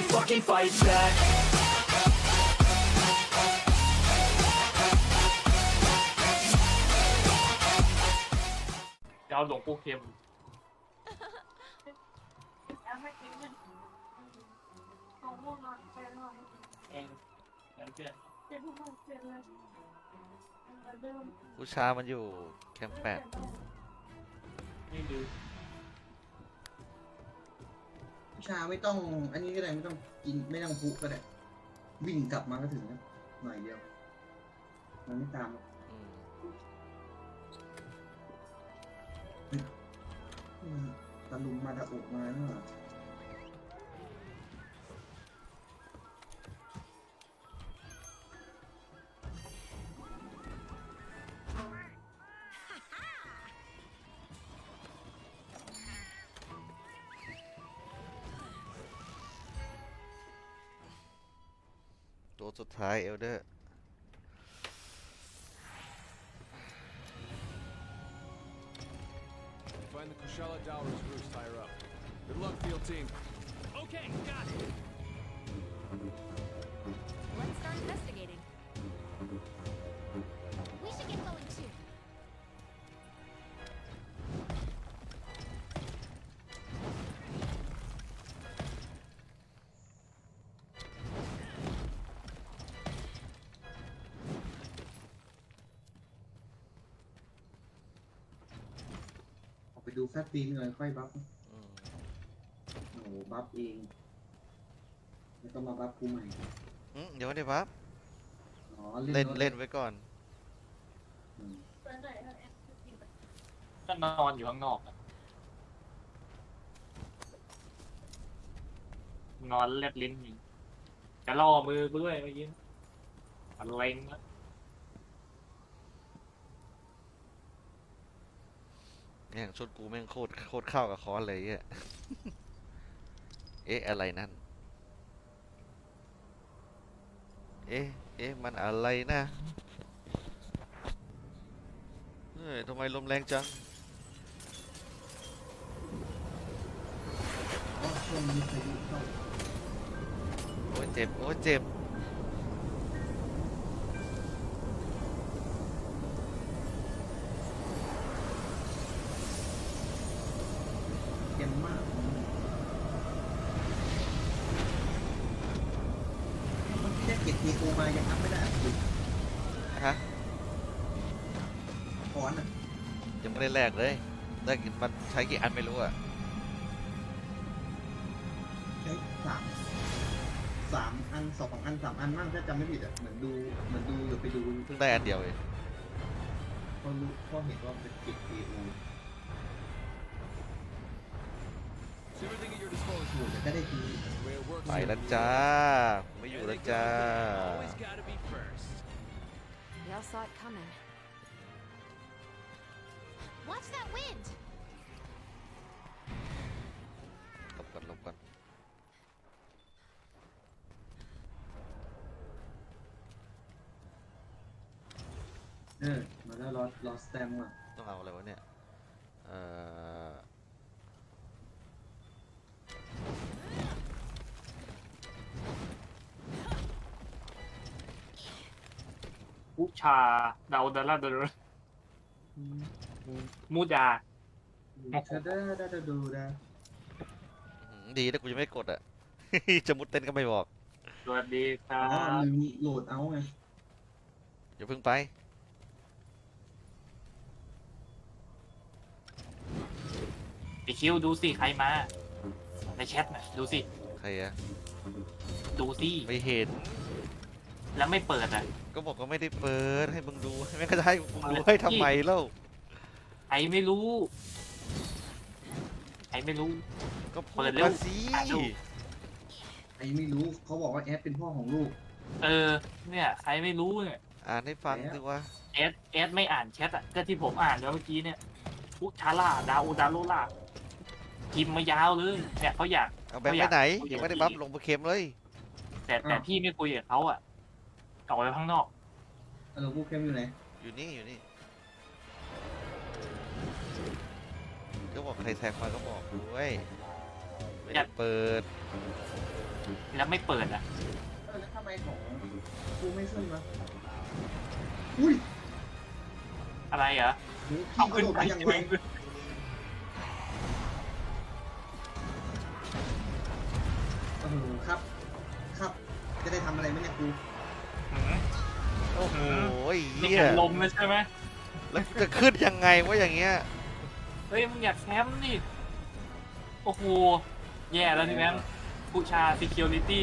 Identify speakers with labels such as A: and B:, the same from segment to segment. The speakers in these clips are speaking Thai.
A: fucking fight back.
B: จะเอาหลวงปู่เข็มเองแล้วเพื่อน
C: ผู้ชามันอยู่แคมป์8
B: ไม่ดู
D: ชาไม่ต้องอันนี้ก็ได้ไม่ต้องกินไม่ต้องพุก็ได้วิ่งกลับมาก็ถึงนะหน่อยเดียวมันไม่ตามหรอก ตะลุมมาตะอุมาเนอะ
C: ตัวสุดท้ายเอลเดอร์
E: Find the Kushala Dowers roost higher up. Good luck, field team.
A: Okay, got it.
F: Let's start investigating. We should get going too.
D: ออกไปดูแฟตตีนเลยค่อยบัฟโอ้โหบัฟเองแล้วก็มาบัฟกูใหม่
C: เดี๋ยวไม่ได้ปั๊บ
D: อ๋อ
C: เล่น
D: รถ
C: เล่นไว้ก่อน
D: อืม
B: ก็นอนอยู่ข้างนอกอะนอนเล็บลิ้นอยู่จะล่อมือกูด้วยเมื่อกี้อะไรนะ
C: เนี่ยชุดกูแม่งโคตรเข้ากับคอนเลยอ่ะ เอ๊ะอะไรนั่น เอ๊ะมันอะไรนะเฮ้ยทำไมลมแรงจัง
D: อ๋อช่วงนี้พายุเข้า
C: โอ้ยเจ็บ โอ้ยเจ็บ
D: เค็มมากมันแค่เก็บมีโกมายังอัพไม่ได้อ่ะคือ
C: ฮะ
D: คอนอ่ะ
C: ยังไม่ได้แลกเลยได้มันใช้กี่อันไม่รู้อ่ะ
D: ใช้สามอัน2 อัน3 อันมั่งถ้าจำไม่ผิดอ่ะเหมือนดูหรือไปดู
C: เพิ่งได้อันเดียวเอง
D: พอเห็นว่าเป็นเก็บ KO
E: It's everything at your
D: โอ้
E: disposal.
D: โหแต่ก็ได้ที
E: That's the way it works.
C: ไปแล้วจ้า ไม่อยู่แล้วจ้า
A: Always gotta be first.
F: We all saw it coming. Watch that wind!
C: หลบก่อน
D: มาแล้วรอสแตมป์อ่ะ
C: ต้องเอาอะไรวะเนี่ย
B: ผู้ชาดาวดาราเดอร์มูดา
D: เธอได้ดูนะ
C: ดีนะกูยังไม่กดอ่ะ จะมุดเต้นก็ไม่บอก
B: สวัสดีครั
D: อ๋อบ ลืมโหลดเอาไง
C: อย่าเพิ่งไป
B: ไอคิวดูสิใครมาในแชทน่ะดูสิ
C: ใครอะ
B: ดูสิ
C: ไม่เห็น
B: แล้วไม่เปิดอ่ะ
C: ก็บอกว่าไม่ได้เปิดให้มึงดูไม่ก็จะให้มึงดูให้ทำไมเล่า
B: ใครไม่รู้ใครไม่รู้
C: ก็
B: เปิ
C: เปิ
B: ด
C: ด
B: เร็ว
C: มาสิ
B: อ่ะดู
D: ไอ้ไม่รู้เขาบอกว่าแอดเป็นพ่อของลูก
B: เนี่ยใครไม่รู้เนี่ย
C: อ่านให้ฟังสิว่า
B: เอสไม่อ่านแชทอ่ะก็ที่ผมอ่านแล้วเมื่อกี้เนี่ยพุชาร่าดาวดาโลล่าพิมพ์มายาวเลยเนี่ยเขาอยาก
C: เอาแบบไปไหนยังไม่ได้บัฟลงโปรเค็มเลย
B: แต่พี่ไม่คุยกับเขาอ่ะออกไปข้างนอก
D: เราพูดเข้มอยู่ไหน
C: อยู่นี่ก็บอกใครแท็กมาก็บอกด้วยไม่ได้เปิด
B: แล้วแล้วไม่เปิดอ่ะ
D: แล้วทำไมของกูไม่ขึ้นวะอุ้ย
B: อะไรเหรอ
D: โห
B: เอา
D: พี่ก
B: ขึ้
D: ระ
B: น
D: โดด
B: ไป
D: ไปอย่างไวโอ้โหครับ ครับ จะได้ทำอะไรไหมเนี่ยกู
B: หืม
C: โอ้โห
B: นี่
C: เหี้ย
B: แข่งลมเลยใช่ไหม
C: แล้วจะขึ้นยังไงวะอย่างเงี้ย
B: เฮ้ยมึงอยากแคมป์นี่โอ้โหแย่แล้วพี่แบงค์ผู้ชา security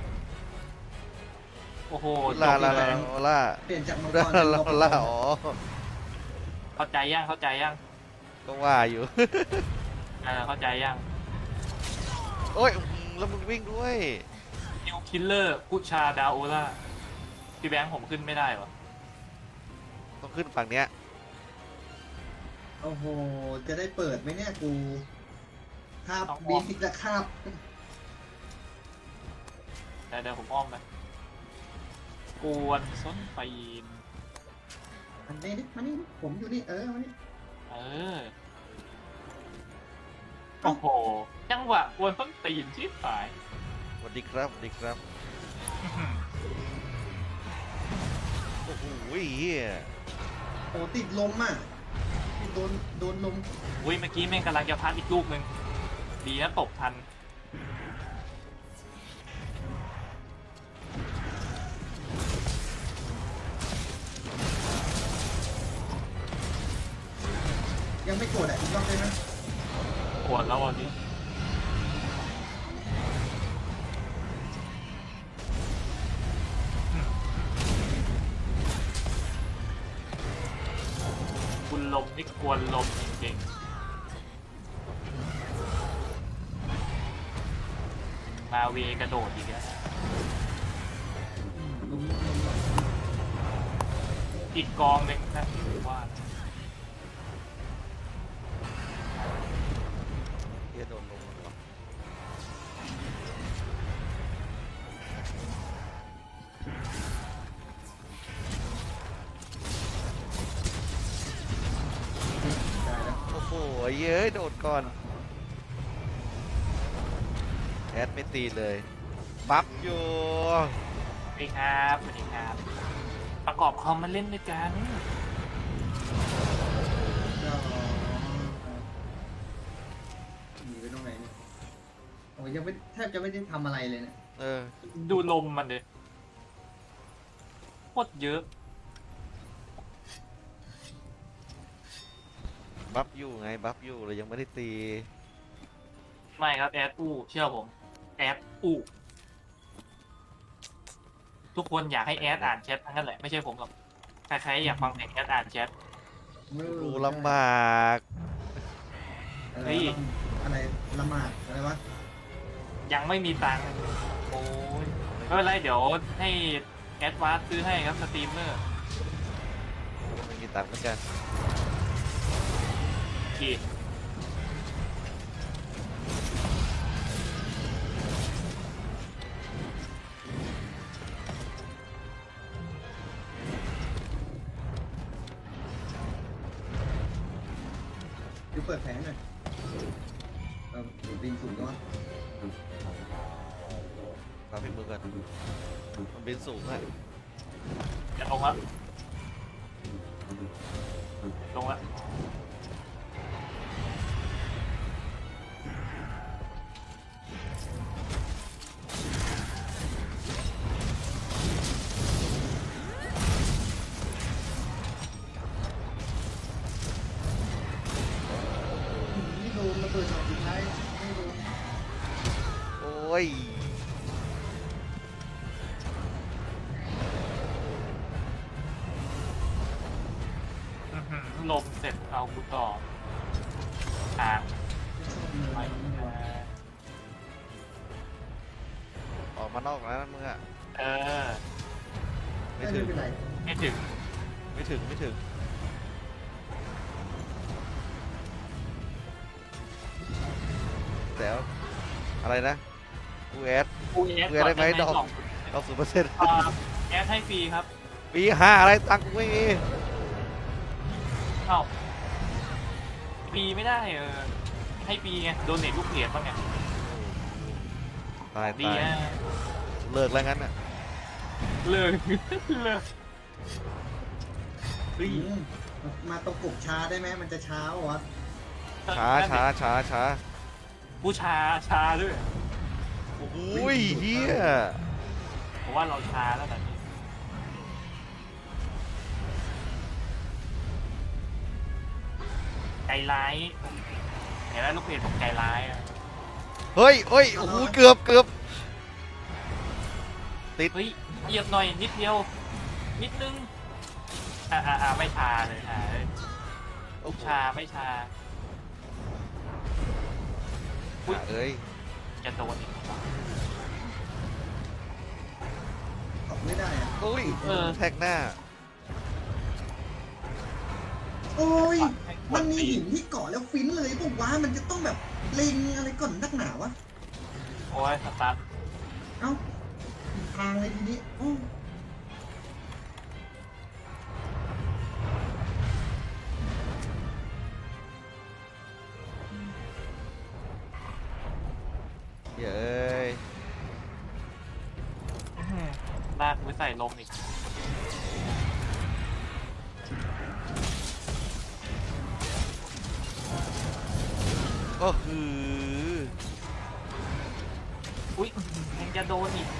B: โอ้โหจ
C: ลา
B: บ
C: ลา
B: เล
C: ลาย ลา
D: เปลี่ยนจากมังก
C: ลาร
D: เป็น
C: ลา
D: มังกร
C: ลาอ๋อ
B: เข้าใจยังเข้าใจยัง
C: ก็ว่าอยู่
B: เข้าใจยัง
C: โอ้ยแล้วมึงวิ่งด้วย
B: นิวคิลเลอร์ผู้ชาดาโอล่าพี่แบงค์ผมขึ้นไม่ได้วะ
C: ต้องขึ้นฝั่งเนี้ย
D: โอ้โห จะได้เปิดไหมเนี่ยกูคาบบีทิกละคาบ
B: เดี๋ยวผมอ้อมไปกวนส้นปีน
D: มันนี่ดิมันนี่ดิผมอยู่นี่มันนี่
B: เออโอ้โหจังหวะกวนส้นตีนชิบหาย
C: สวัสดีครับสวัสดีครับ โอ้โหเฮีย
D: โอ้ติดลมอ่ะโดนลม
B: อุ้ยเมื่อกี้แม่งกำลังจะพัดอีกลูกหนึ่งดีนะตบทัน
D: ยังไม่โกรธอ่ะอีกรอบได้ไหม
B: ปวดแล้วอ่ะพี่คุณลมนี่กวนลมจริงๆมาเวกระโดดอีกแล้ว
D: ลม
B: อีกกองหนึ่งนะว่า
C: เฮียโดนลงแล้ว
D: ได้แล้ว
C: โอ้โหเย้ยโดดก่อน แอดไม่ตีเลย ปั๊บอยู่
B: สวัสดีครับสวัสดีครับ ประกอบคอมมาเล่นด้วยกัน
D: ก็หนีไปตรงไหนเนี่ยโอ้ยยังไม่แทบจะไม่ได้ทำอะไรเลยเนี่ย
C: เออ
B: ดูลมมันเลยโคตรเยอะ
C: บัฟอยู่ไง บัฟอยู่เลยยังไม่ได้ตี
B: ไม่ครับแอดอู้เชื่อผมแอดอู้ทุกคนอยากให้แอดอ่านแชททั้งนั้นแหละไม่ใช่ผมหรอกใครๆอยากฟังเสียงแอดอ่านแชท
C: ดูลำบาก
D: อะไร
B: เฮ้ย
D: อะไรละหมาดอะไรวะ
B: ยังไม่มีตังค์โอ้ยไม่เป็นไรเดี๋ยวให้แอดวานซ์ซื้อให้ครับสตรีมเมอร์
C: ไม่มีตังค์เหมือนกัน
B: ที
D: ดูเปิดแผลหน่อยบินสูงก็วะ
C: ตามพี่มือกันมันบินสูงอะ
B: จะลงแล้วลงแล้ว
D: นี่โดนระเบิดหน่อยสุดท้ายไม่โดน
C: โอ้ย
B: อื้อหือลมเสร็จเอากูต่ออ่าง
D: ไม่
B: ไป
D: ชอบเลย
C: ออกมานอกแล้วนะมึงอะ
B: เออ
C: ไม่
D: ไม่
C: ถึง
D: เป็นไร
B: ไม่ถึง
C: ไม่ถึง ไม่ถึง แต่ว่าอะไรนะ กูแอด
B: กูแอด
C: เพื่อได้ไหมดอก
B: ก่น
C: เอา0%
B: อ่าแอดให้ฟรีครับ
C: ปี5อะไรตังค์กูไม่มี
B: เอ้าฟรีไม่ได้ให้ฟรีไงโดนเน็ตลูกเหรียญบ้างไง
C: ตาย
B: ดี
C: ตาย
B: นะ
C: เลิกแล้วงั้นอ่ะ
B: เลิก เลิกเฮ้ย
D: มาตะกบช้าได้ไหมมันจะช้าวะ
C: ช้า
B: ผู้ชาด้วย
C: อุ้ยเฮีย
B: ผมว่าเราช้าแล้วนะนี่ใจร้ายเห็นไหมลูกเพจผมใจร้ายอะ
C: เฮ้ยโอ้โหเกือบติด
B: เฮ้ยเหยียบหน่อยนิดเดียว นิดนึงไม่ชาเลยลูกชาไม่ชา อุ๊ย
C: เอ้ย
B: จะโดนอีก
D: ออกไม่ได้อะ
C: โอ้ย
B: เออ
C: แท็กหน้า
D: โอ้ยมันมีหินที่เกาะแล้วฟินเลยบอกว่ามันจะต้องแบบเล็งอะไรก่อนนักหนาวะ
B: โอ้ยสตาร์ท
D: เอ้าผิดทางเลยทีนี้โอ้
C: เย้ย
B: ลากมือใส่ลมอีก
C: โอ้คือ
B: อุ้ยยังจะโดนอีก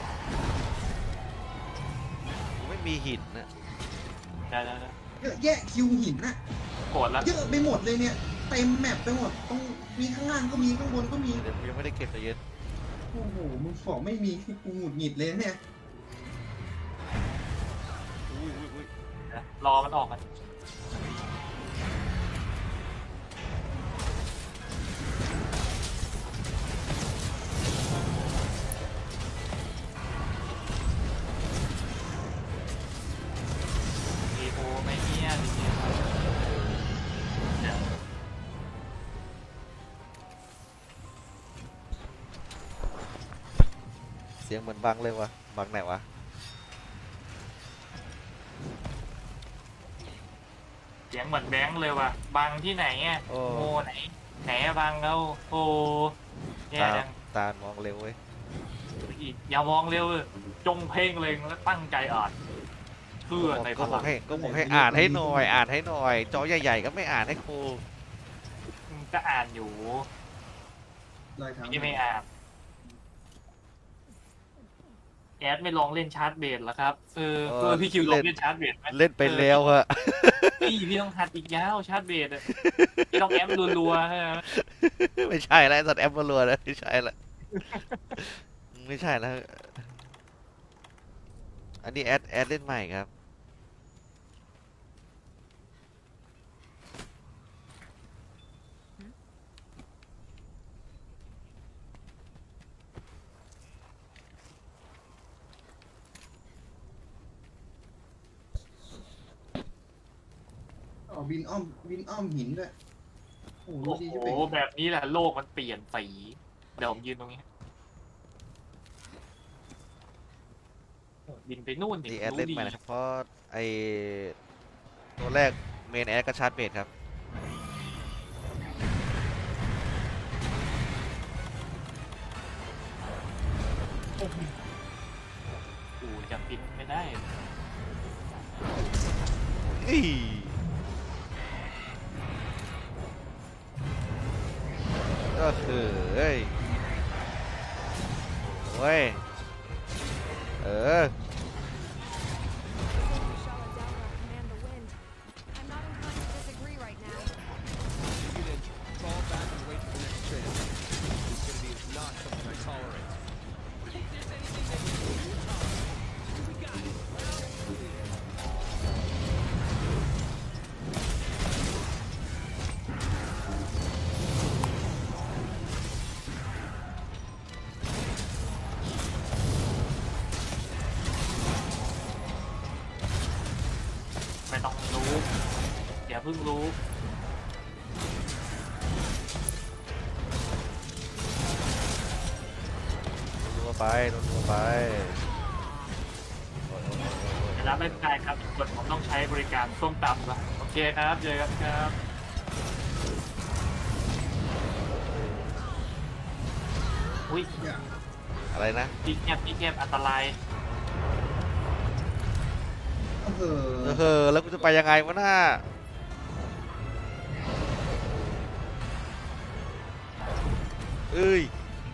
C: ไม่มีหินนะ
B: เดี๋ยว
D: เยอะแยะคิวหินน่ะ
B: โกรธแล้ว
D: เยอะไปหมดเลยเนี่ยเต็มแมปไปหมดตรงมีข้างล่างก็มีข้างบนก็มี
C: เดี๋ยวยังไม่ได้เก็บแต่เย็น
D: โอ้โหมึงบอกไม่มีกูหงุดหงิดเลยเนี่ย
C: อุ้ย
B: รอมันออกกันดีโอไม่เนี่ยดีเนี่ย
C: เสียงเหมือนบังเลยวะบังไหนวะ
B: เสียงเหมือนแบงค์เลยว่ะบังที่ไหนอ่ะ
C: โอ้
B: โมไหนอะบังเราโอ้แย่
C: ตา
B: จัง
C: ตามองเร็วเว้ย
B: อีกอย่ามองเร็วเลยจงเพ่งเล็งและตั้งใจอ่านเชื่อในพ
C: ก็บ
B: ลั
C: อก
B: ง
C: ให้อ่านให้หน่อยอ่านให้หน่อยจอใหญ่ๆก็ไม่อ่านให้ครู
B: ก็อ่านอยู่
D: รอยเท้า
B: พี่ไม่อ่านแอดไม่ลองเล่นชาร์จเบสเหรอครับพี่คิวลองเล่นชาร์จเบสไหม
C: เล่นไปแล้วอะ
B: พี่ต้องหัดอีกยาวชาร์จเบสอะพี่ต้องแอมรัวๆฮะ
C: ไม่ใช่แล้วสัตว์แอปมาลัวแล้วไม่ใช่ละไม่ใช่แล้วอันนี้แอดเล่นใหม่ครับ
D: อ๋อบินอ้อมหินด้วยโอ้โห
B: โอ้
D: ดี
B: โห
D: ที่เป็น
B: แบบนี้แหละโลกมันเปลี่ยนสีเดี๋ยวผมยืนตรงนี้บินไปนู่นดิ
C: นี่แอด
B: รู้
C: เล่น
B: ดี
C: ใหม่นะครับเพราะไอตัวแรกเมนแอดก็ชาร์จเบสครับ
B: กูจะบินไม่ได้
C: อีก็คือเฮ้ยเว้ยเออ
F: Command the wind. I'm not inclined to disagree right now.
E: You can fall back and wait for the next chance. Stupidity is not something I tolerate.
A: If there's anything that you can do, Tom, we got it.
B: ไม่ต้องรู้อย่าเพิ่งรู้
C: รัวไปรัวไป
B: เวลาไม่ได้ครับทุกคนผมต้องใช้บริการส้มตำละโอเคครับเจอกันครับอุ้ย
D: อย่า
C: อะไรนะ
B: ที่แคบอันตราย
D: โอ้โห
C: แล้วกูจะไปยังไงวะน่าเอ้ย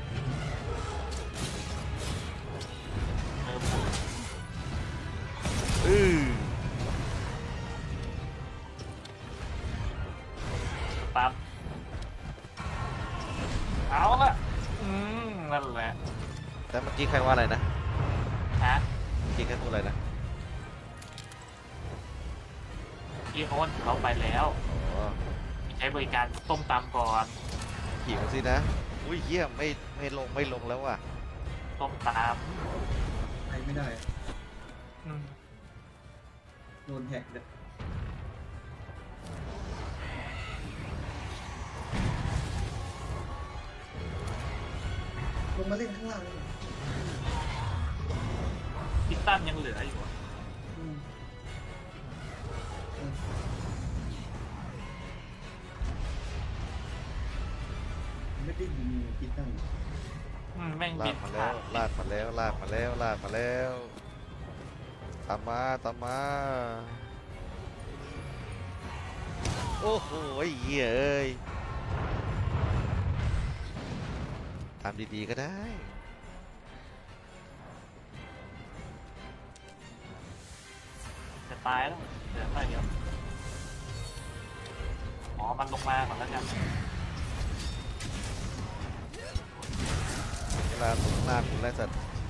B: ปั๊บเอาละนั่นแหละ
C: แต่เมื่อกี้ใครว่าอะไรนะ
B: ฮะ
C: เมื่อกี้ใครพูดอะไรนะ
B: พี่โอนเขาไปแล้ว
C: อ๋อ
B: ใช้บริการต้มตำก่อน
C: หิวสินะ อุ้ยเยี่ยมไม่ลงแล้วว่ะ
B: ต้มต
D: ไปไม่ได้
B: ำ
D: โดนแฮกเลยลงมาเล่นข้างล่างเลย
B: พิตตันยังเหลืออยู่อะ
D: อืมไม่ได้ยิงคิดตั้ง
B: แม่ง
C: ลา
B: บิ
C: ก
B: น
C: มา
B: ผ่า
C: แล้ว
B: น
C: ลากมาแล้วลากมาแล้วลากมาแล้วตามมาโอ้โหไอ้เหี้ยเอ้ยตามดีๆก็ได้
B: จะตายแล้วเหลือไปเดียวอ๋อมันลงมาก่อนแล้วกัน
C: เวลาตรงหน้าคุณไล่สัตว์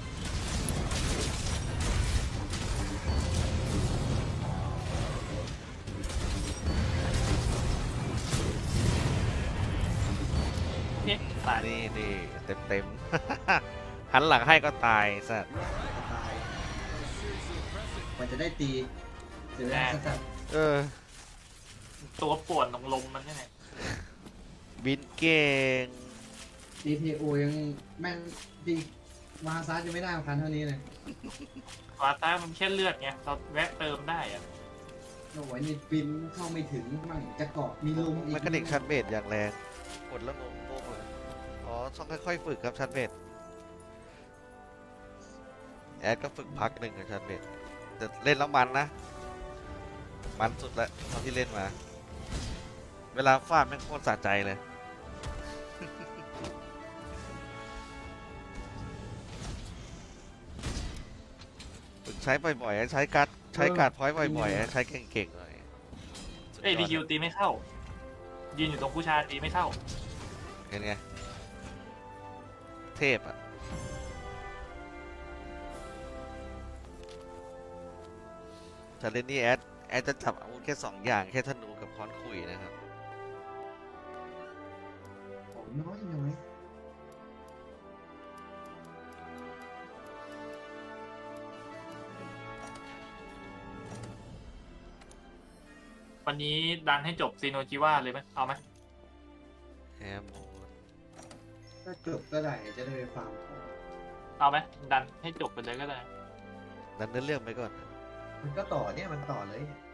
B: เอ๊ะตาย
C: นี่เต็มหันหลังให้ก็ตายสัตว์
D: ตายกว่าจะได้ตีเสียเวลาสัส
C: เออ
B: ตัวป่วนลมมันนี่ไง
C: บินเก่ง
D: ๆ DPO ยังแม่งดีมาซาร์จะไม่ได้พันเท่านี้เลย
B: วาต้ามันแค่เลือดไงเราแวะเติมได้อะ
D: โอ้ยนี่ปินเข้าไม่ถึงมั่งจะเกาะมีลมอีก
C: มันกระดิกชันเบดอย่างแรงกดแล้วงงเลยอ๋อต้องค่อยๆฝึกครับชันเบดแอดก็ฝึกพักหนึ่งกับชันเบดแต่เล่นแล้วมันนะ มันสุดแล้วเท่าที่เล่นมา เวลาฟาดแม่งโคตรสะใจเลย ฝึกใช้บ่อยๆใช้การ์ดพอยต์บ่อยๆใช้เก่งๆหน่อยสุ
B: เอ้ย
C: ย
B: ดี
C: อ
B: คิวตีไม่เข้า ยืนอยู่ตรงผู้ชายตีไม่เข้า
C: เห็นไงเทพอ่ะแต่เล่นนี่แอดจะจับอาวุธแค่2 อย่างแค่ธนูกับค้อนคุยนะครับ
D: ของน้อยน้อย
B: วันนี้ดันให้จบซีโนจิว่าเลยไหมเอาไหม
C: แฮมโมน
D: ถ้าจบก็ได้จะได้ไปฟาร์มของ
B: เอาไหมดันให้จบไปเลยก็ได้
C: ดันเนื้อเรื่องไปก่อน
D: มันก็ต่อเนี่ยมันต่อเลยเนี่ย